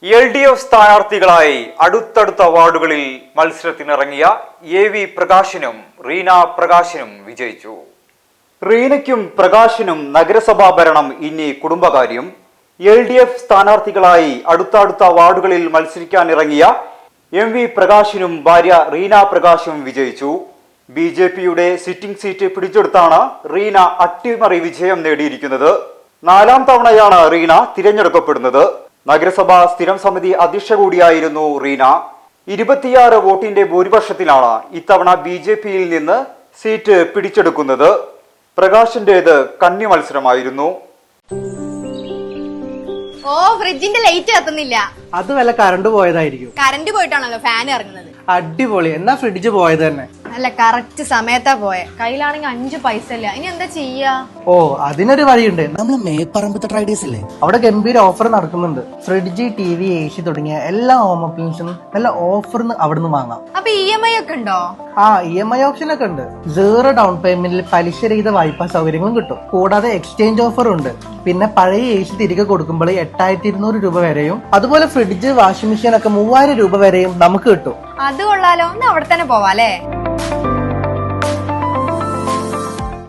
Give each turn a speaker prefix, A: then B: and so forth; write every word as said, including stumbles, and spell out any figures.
A: L D F സ്ഥാനാർത്ഥികളായി അടുത്തടുത്ത വാർഡുകളിൽ മത്സരത്തിനിറങ്ങിയ എ വി പ്രകാശിനും റീന പ്രകാശിനും വിജയിച്ചു. റീനയ്ക്കും പ്രകാശിനും നഗരസഭാ ഭരണം ഇനി കുടുംബകാര്യം. എൽ ഡി എഫ് സ്ഥാനാർത്ഥികളായി അടുത്തടുത്ത വാർഡുകളിൽ മത്സരിക്കാനിറങ്ങിയ എം വി പ്രകാശിനും ഭാര്യ റീന പ്രകാശും വിജയിച്ചു. ബി ജെ പിയുടെ സിറ്റിംഗ് സീറ്റ് പിടിച്ചെടുത്താണ് റീന അട്ടിമറി വിജയം നേടിയിരിക്കുന്നത്. നാലാം തവണയാണ് റീന തിരഞ്ഞെടുക്കപ്പെടുന്നത്. നഗരസഭാ സ്ഥിരം സമിതി അധ്യക്ഷ കൂടിയായിരുന്നു റീന. ഇരുപത്തിയാറ് വോട്ടിന്റെ ഭൂരിപക്ഷത്തിലാണ് ഇത്തവണ ബി ജെ പിയിൽ നിന്ന് സീറ്റ് പിടിച്ചെടുക്കുന്നത്. പ്രകാശിന്റേത് കന്നി മത്സരമായിരുന്നു.
B: ഓ, ഫ്രിഡ്ജിന്റെ ലൈറ്റ് കത്തുന്നില്ല.
C: അത് വല്ല കറണ്ട് പോയതായിരിക്കും.
B: കറണ്ട് പോയിട്ടാണല്ലോ ഫാൻ ഇറങ്ങുന്നത്.
C: അടിപൊളി. എന്നാ ഫ്രിഡ്ജ് പോയത് തന്നെ.
B: അല്ല, കറക്റ്റ് സമയത്താ പോയെ. കയ്യിലാണെങ്കിൽ അഞ്ചു പൈസ ഇല്ല. ഇനി എന്താ ചെയ്യാ?
C: ഓ, അതിനൊരു വഴിയുണ്ട്.
D: നമ്മള് മേപ്പറമ്പത്തെ ട്രൈഡേഴ്സ് അല്ലേ,
C: അവിടെ ഗംഭീര ഓഫർ നടക്കുന്നുണ്ട്. Fridge, T V, A C തുടങ്ങിയ എല്ലാ ഹോം അപ്ലയൻസും നല്ല ഓഫറിന് അവിടുന്ന് വാങ്ങാം.
B: അപ്പൊ ഇ എം ഐ ഒക്കെ ഉണ്ടോ?
C: ആ, ഇ എം ഐ ഓപ്ഷൻ ഒക്കെ ഉണ്ട്. സീറോ ഡൗൺ പേയ്മെന്റിൽ പലിശരഹിത വായ്പാ സൗകര്യങ്ങളും കിട്ടും. കൂടാതെ എക്സ്ചേഞ്ച് ഓഫർ ഉണ്ട്. പിന്നെ പഴയ എ സി തിരികെ കൊടുക്കുമ്പോൾ എട്ടായിരത്തി ഇരുന്നൂറ് രൂപ വരെയും, അതുപോലെ ഫ്രിഡ്ജ്, വാഷിംഗ് മെഷീൻ ഒക്കെ മൂവായിരം രൂപ വരെയും നമുക്ക് കിട്ടും.
B: അത് കൊള്ളാലോ. ഒന്ന് അവിടെ തന്നെ പോവാല്ലേ?